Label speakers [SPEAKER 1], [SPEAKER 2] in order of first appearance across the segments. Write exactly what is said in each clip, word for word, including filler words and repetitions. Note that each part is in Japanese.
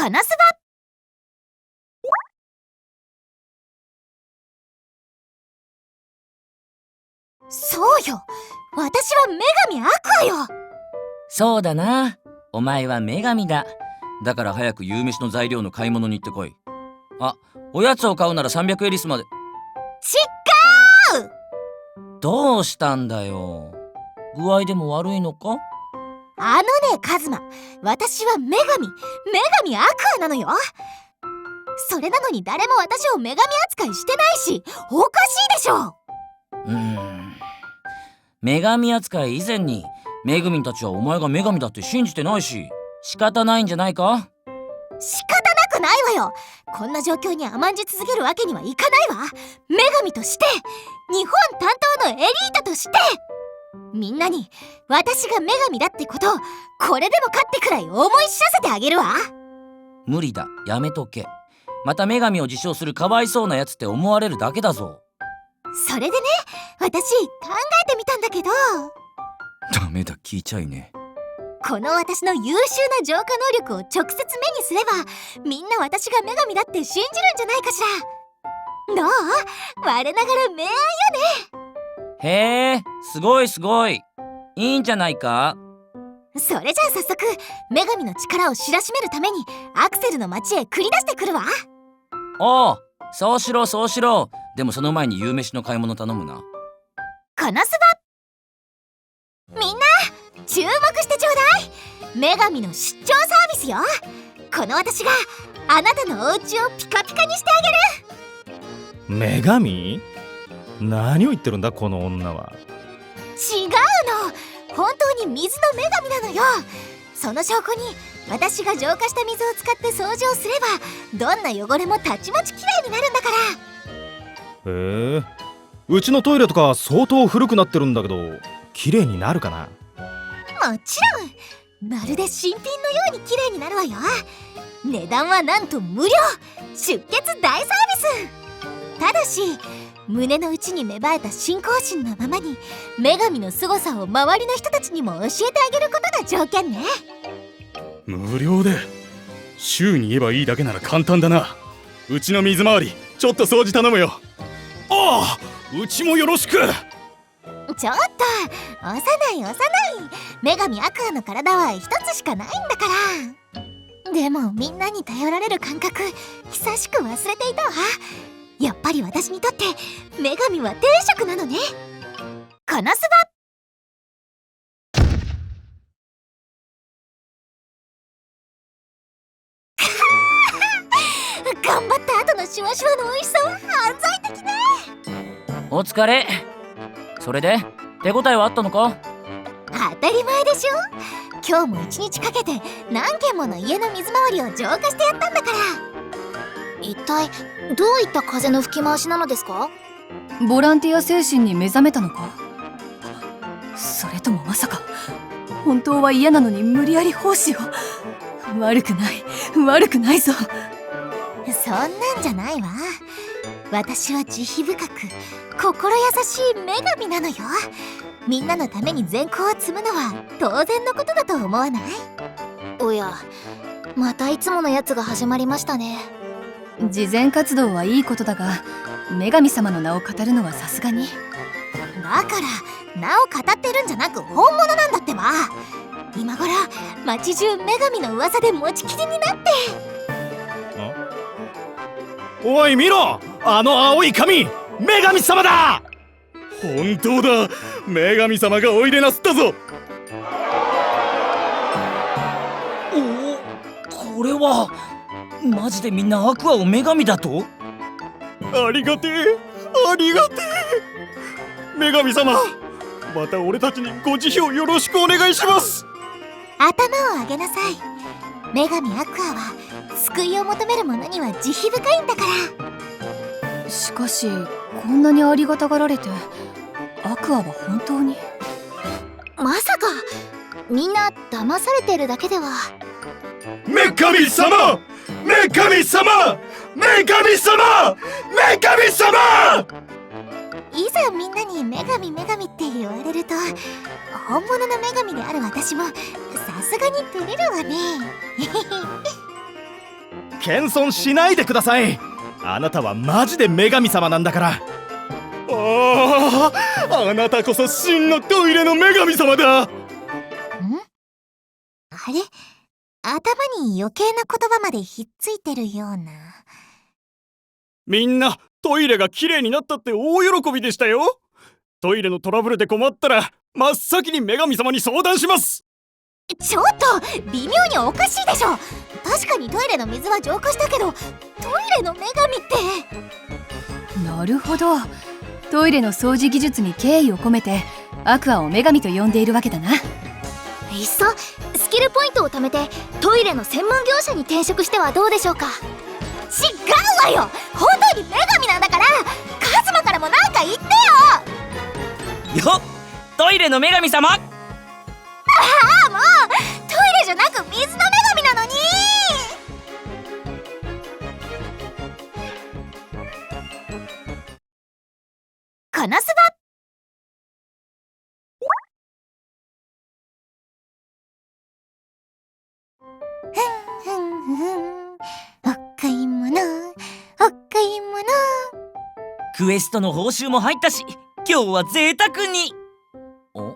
[SPEAKER 1] カナスバ。そうよ、私は女神アクアよ。
[SPEAKER 2] そうだな、お前は女神だ。だから早く夕飯の材料の買い物に行ってこい。あ、おやつを買うならさんびゃくエリスまで。
[SPEAKER 1] ちっかー。
[SPEAKER 2] どうしたんだよ、具合でも悪いのか？
[SPEAKER 1] あのねカズマ、私は女神女神アクアなのよ。それなのに誰も私を女神扱いしてないし、おかしいでしょ。
[SPEAKER 2] うーん、女神扱い以前にめぐみんたちはお前が女神だって信じてないし、仕方ないんじゃないか？
[SPEAKER 1] 仕方なくないわよ。こんな状況に甘んじ続けるわけにはいかないわ。女神として、日本担当のエリートとして、みんなに私が女神だってことをこれでもかってくらい思い知らせてあげるわ。
[SPEAKER 2] 無理だ、やめとけ。また女神を自称するかわいそうなやつって思われるだけだぞ。
[SPEAKER 1] それでね、私考えてみたんだけど。
[SPEAKER 2] ダメだ、聞いちゃいね。
[SPEAKER 1] この私の優秀な浄化能力を直接目にすれば、みんな私が女神だって信じるんじゃないかしら。どう？我ながら名愛よね。
[SPEAKER 2] へえ、すごいすごい、いいんじゃないか。
[SPEAKER 1] それじゃあ早速女神の力を知らしめるためにアクセルの町へ繰り出してくるわ。
[SPEAKER 2] おう、そうしろそうしろ。でもその前に夕飯の買い物頼むな。
[SPEAKER 1] カナスバ。みんな注目してちょうだい。女神の出張サービスよ。この私があなたのお家をピカピカにしてあげる。
[SPEAKER 3] 女神？何を言ってるんだこの女は。
[SPEAKER 1] 違うの、本当に水の女神なのよ。その証拠に私が浄化した水を使って掃除をすれば、どんな汚れもたちまちきれいになるんだから。
[SPEAKER 3] へえ、うちのトイレとか相当古くなってるんだけど、綺麗になるかな？
[SPEAKER 1] もちろん、まるで新品のように綺麗になるわよ。値段はなんと無料、出血大サービス。ただし胸の内に芽生えた信仰心のままに女神の凄さを周りの人たちにも教えてあげることが条件ね。
[SPEAKER 4] 無料で？週に言えばいいだけなら簡単だな。うちの水回りちょっと掃除頼むよ。ああ、うちもよろしく。
[SPEAKER 1] ちょっと幼い幼い、女神アクアの体は一つしかないんだから。でもみんなに頼られる感覚久しく忘れていたわ。やっぱり私にとって女神は天職なのね。カナスバ。頑張った後のシュワシュワの美味しさは犯罪的ね。
[SPEAKER 2] お疲れ。それで手応えはあったのか？
[SPEAKER 1] 当たり前でしょ。今日も一日かけて何軒もの家の水回りを浄化してやったんだから。
[SPEAKER 5] 一体どういった風の吹き回しなのですか？
[SPEAKER 6] ボランティア精神に目覚めたのか？それともまさか本当は嫌なのに無理やり奉仕を？悪くない悪くないぞ。
[SPEAKER 1] そんなんじゃないわ。私は慈悲深く心優しい女神なのよ。みんなのために善行を積むのは当然のことだと思わない？
[SPEAKER 5] おや、またいつものやつが始まりましたね。
[SPEAKER 6] 慈善活動はいいことだが、女神様の名を語るのはさすがに。
[SPEAKER 1] だから名を語ってるんじゃなく本物なんだってば。今頃町中女神の噂で持ちきりになって。
[SPEAKER 3] おい見ろ、あの青い髪、女神様だ。
[SPEAKER 4] 本当だ、女神様がおいでなすったぞ。
[SPEAKER 2] おお、これはマジでみんなアクアを女神だと？
[SPEAKER 4] ありがてえ、ありがてえ。女神様、また俺たちにご慈悲をよろしくお願いします。
[SPEAKER 1] 頭を上げなさい。女神アクアは救いを求める者には慈悲深いんだから。
[SPEAKER 6] しかしこんなにありがたがられてアクアは本当に？
[SPEAKER 5] まさかみんな騙されてるだけでは？
[SPEAKER 4] 女神様、女神様、女神様、女神様。
[SPEAKER 1] いざみんなに女神女神って言われると、本物の女神である私もさすがに照れるわね。
[SPEAKER 3] 謙遜しないでください。あなたはマジで女神様なんだから。
[SPEAKER 4] ああ、あなたこそ真のトイレの女神様だ。
[SPEAKER 1] ん？あれ？頭に余計な言葉までひっついてるような。
[SPEAKER 4] みんなトイレが綺麗になったって大喜びでしたよ。トイレのトラブルで困ったら真っ先に女神様に相談します。
[SPEAKER 1] ちょっと微妙におかしいでしょ。確かにトイレの水は浄化したけど、トイレの女神って。
[SPEAKER 6] なるほど。トイレの掃除技術に敬意を込めてアクアを女神と呼んでいるわけだな。
[SPEAKER 5] いっそスキルポイントを貯めてトイレの専門業者に転職してはどうでしょうか。
[SPEAKER 1] 違うわよ。本当に女神なんだから、カズマからもなんか言ってよ。
[SPEAKER 2] よっ、トイレの女神様。
[SPEAKER 1] ああ、もうトイレじゃなく水の女神なのに。このスバふんふんふん、お買い物、お買い物。
[SPEAKER 2] クエストの報酬も入ったし、今日は贅沢に。お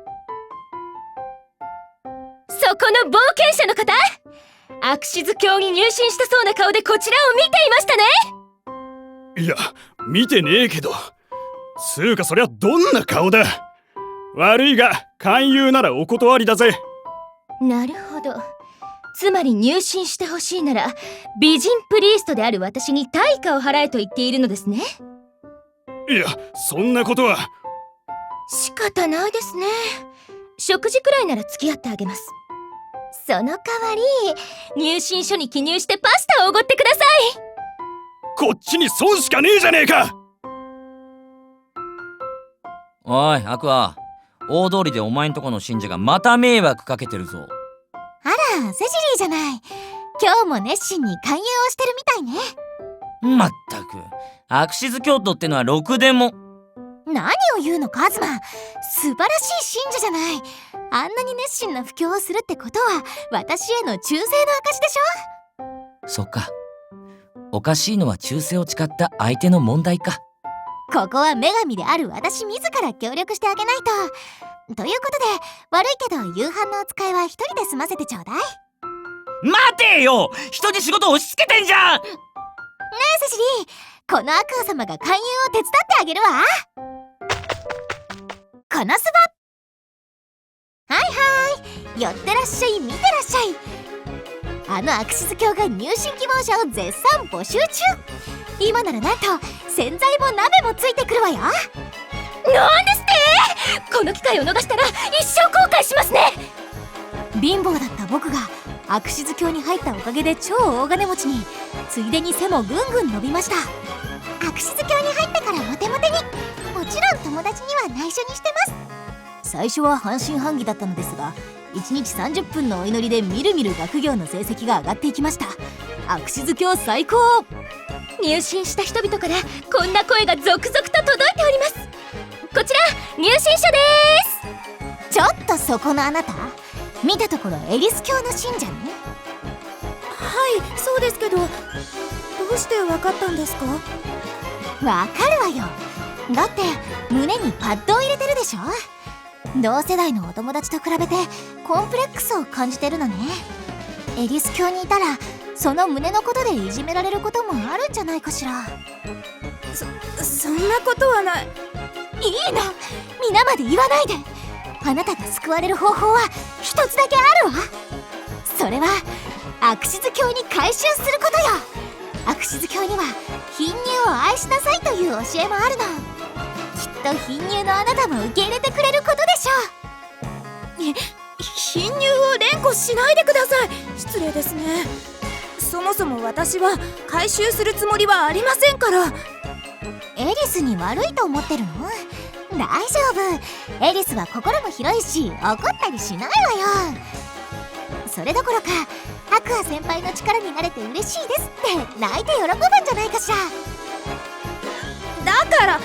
[SPEAKER 7] そこの冒険者の方、アクシズ教に入信したそうな顔でこちらを見ていましたね。
[SPEAKER 4] いや、見てねえけど、つうかそりゃどんな顔だ。悪いが勧誘ならお断りだぜ。
[SPEAKER 7] なるほど。つまり入信してほしいなら美人プリーストである私に対価を払えと言っているのですね。
[SPEAKER 4] いや、そんなことは。
[SPEAKER 7] 仕方ないですね。食事くらいなら付き合ってあげます。その代わり入信書に記入してパスタをおごってください。
[SPEAKER 4] こっちに損しかねえじゃねえか。
[SPEAKER 2] おいアクア、大通りでお前んとこの信者がまた迷惑かけてるぞ。
[SPEAKER 1] あら、セシリーじゃない。今日も熱心に勧誘をしてるみたいね。
[SPEAKER 2] まったく、アクシズ教徒ってのはろくでも。
[SPEAKER 1] 何を言うのカズマ、素晴らしい信者じゃない。あんなに熱心な布教をするってことは私への忠誠の証でしょ。
[SPEAKER 2] そっか、おかしいのは忠誠を誓った相手の問題か。
[SPEAKER 1] ここは女神である私自ら協力してあげないと。ということで、悪いけど夕飯のお使いは一人で済ませてちょうだい。ね
[SPEAKER 2] 待てよ、人に仕事押し付けてんじゃん。
[SPEAKER 1] えセシリー、このアクア様が勧誘を手伝ってあげるわ。このスバ、はいはい、寄ってらっしゃい、見てらっしゃい。あのアクシズ教が入信希望者を絶賛募集中。今ならなんと洗剤も鍋もついてくるわよ。
[SPEAKER 7] なんですって。この機会を逃したら一生後悔しますね。
[SPEAKER 1] 貧乏だった僕がアクシズ教に入ったおかげで超大金持ちに、ついでに背もぐんぐん伸びました。アクシズ教に入ったからモテモテに。もちろん友達には内緒にしてます。最初は半信半疑だったのですが、いちにちさんじゅっぷんのお祈りでみるみる学業の成績が上がっていきました。アクシズ教最高。
[SPEAKER 7] 入信した人々からこんな声が続々と届いております。こちら入信書で
[SPEAKER 1] ーす。ちょっとそこのあなた、見たところエリス教の信者ね。
[SPEAKER 5] はい、そうですけど、どうしてわかったんですか？
[SPEAKER 1] わかるわよ。だって胸にパッドを入れてるでしょ。同世代のお友達と比べてコンプレックスを感じてるのね。エリス教にいたらその胸のことでいじめられることもあるんじゃないかしら。
[SPEAKER 5] そ、そんなことはない。
[SPEAKER 1] いいの、皆まで言わないで。あなたが救われる方法は一つだけあるわ。それはアクシズ教に改宗することよ。アクシズ教には貧乳を愛しなさいという教えもあるの。きっと貧乳のあなたも受け入れてくれることでしょう。
[SPEAKER 5] 貧乳を連呼しないでください。失礼ですね。そもそも私は回収するつもりはありませんから。
[SPEAKER 1] エリスに悪いと思ってるの？大丈夫、エリスは心も広いし怒ったりしないわよ。それどころかアクア先輩の力になれて嬉しいですって泣いて喜ぶんじゃないかしら。
[SPEAKER 5] だから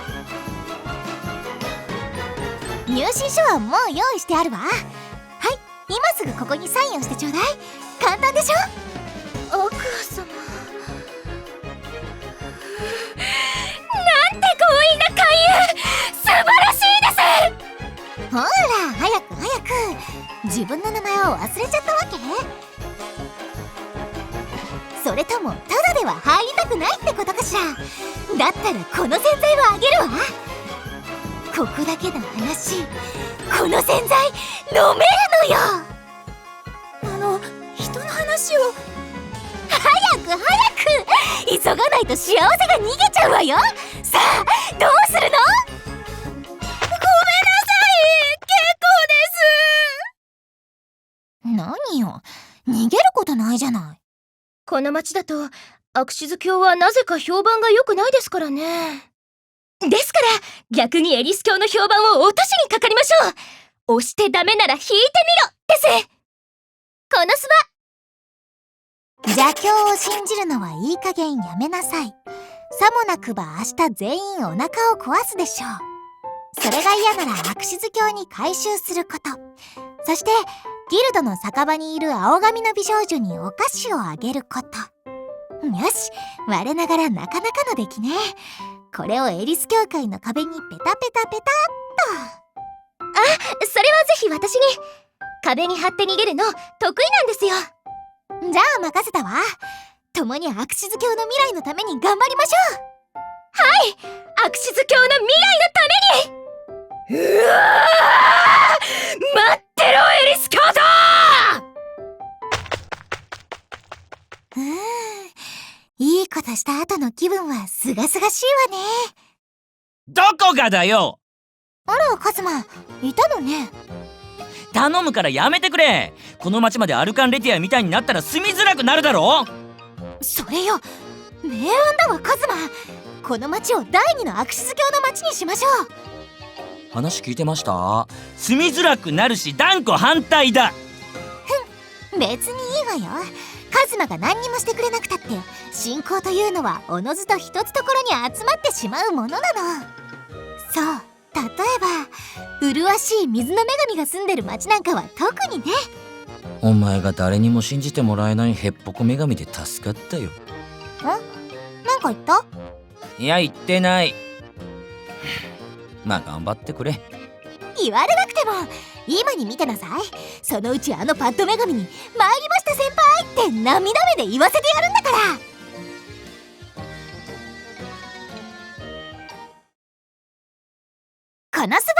[SPEAKER 1] 入信書はもう用意してあるわ。はい、今すぐここにサインをしてちょうだい。簡単でしょ。
[SPEAKER 7] アクア
[SPEAKER 1] く自分の名前を忘れちゃったわけ？それともただでは入りたくないってことかしら。だったらこの洗剤をあげるわ。ここだけの話、この洗剤飲めるのよ。
[SPEAKER 5] あの人の話を。
[SPEAKER 1] 早く早く、急がないと幸せが逃げちゃうわよ。さあどうするの？
[SPEAKER 5] ごめんなさい、結構です。
[SPEAKER 1] 何よ、逃げることないじゃない。
[SPEAKER 7] この町だとアクシズ教はなぜか評判が良くないですからね。ですから逆にエリス教の評判を落としにかかりましょう。押してダメなら引いてみろです。このス
[SPEAKER 1] 邪教を信じるのはいい加減やめなさい。さもなくば明日全員お腹を壊すでしょう。それが嫌ならアクシズ教に改宗すること。そしてギルドの酒場にいる青髪の美少女にお菓子をあげること。よし、我ながらなかなかの出来ね。これをエリス教会の壁にペタペタペタっと。
[SPEAKER 7] あ、それはぜひ私に。壁に貼って逃げるの得意なんですよ。
[SPEAKER 1] じゃあ任せたわ。共にアクシズ教の未来のために頑張りましょう。
[SPEAKER 7] はい、アクシズ教の未来のために。うわー、待ってろエリス教徒。
[SPEAKER 1] うーん、いいことした後の気分はすがすがしいわね。
[SPEAKER 2] どこがだよ。
[SPEAKER 1] あらカズマ、いたのね。
[SPEAKER 2] 頼むからやめてくれ。この町までアルカンレティアみたいになったら住みづらくなるだろ。
[SPEAKER 1] それよ、名案だわカズマ。この町を第二のアクシズ教の町にしましょう。
[SPEAKER 2] 話聞いてました？住みづらくなるし断固反対だ。
[SPEAKER 1] 別にいいわよ。カズマが何にもしてくれなくたって信仰というのはおのずと一つところに集まってしまうものなの。そう、例えば麗しい水の女神が住んでる町なんかは特にね。
[SPEAKER 2] お前が誰にも信じてもらえないへっぽこ女神で助かったよ。
[SPEAKER 1] ん？なんか言った？
[SPEAKER 2] いや言ってない。まあ頑張ってくれ。
[SPEAKER 1] 言われなくても今に見てなさい。そのうちあのパッド女神に「参りました先輩」って涙目で言わせてやるんだから。このスバ